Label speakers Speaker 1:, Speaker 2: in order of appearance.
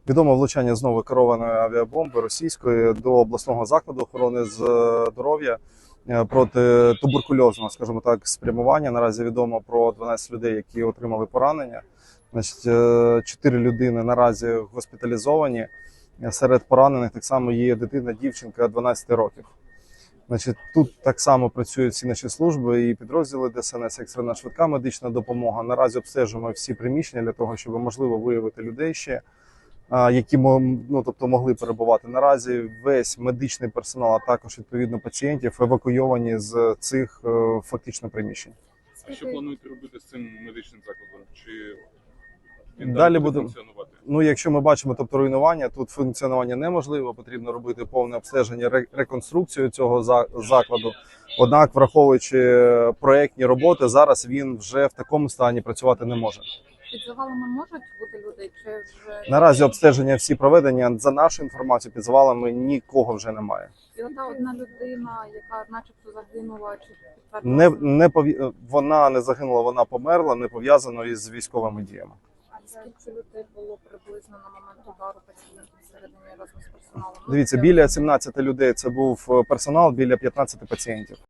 Speaker 1: Відомо влучання знову керованої авіабомби російської до обласного закладу охорони здоров'я проти туберкульозного, скажімо так, спрямування. Наразі відомо про 12 людей, які отримали поранення. Значить, 4 людини наразі госпіталізовані. Серед поранених так само є дитина, дівчинка 12 років. Значить, тут так само працюють всі наші служби і підрозділи ДСНС, екстрена швидка медична допомога. Наразі обстежуємо всі приміщення для того, щоб можливо виявити людей ще, які могли перебувати. Наразі весь медичний персонал, а також відповідно пацієнтів евакуйовані з цих фактично приміщень.
Speaker 2: А що плануєте робити з цим медичним закладом? Чи він
Speaker 1: далі
Speaker 2: буде
Speaker 1: буде
Speaker 2: функціонувати?
Speaker 1: Ну, якщо ми бачимо, руйнування, тут функціонування неможливо, потрібно робити повне обстеження, реконструкцію цього закладу. Однак, враховуючи проєктні роботи, зараз він вже в такому стані працювати не може.
Speaker 3: Під завалами можуть бути люди? Чи вже
Speaker 1: Наразі обстеження всі проведені. За нашу інформацію, під завалами нікого вже немає.
Speaker 3: і одна людина, яка начебто загинула, чи підтвердила?
Speaker 1: Вона не загинула, вона померла, не пов'язано із військовими діями.
Speaker 3: А скільки людей було приблизно на момент удару пацієнтів всередині разом з персоналом?
Speaker 1: Дивіться, біля 17 людей це був персонал, біля 15 пацієнтів.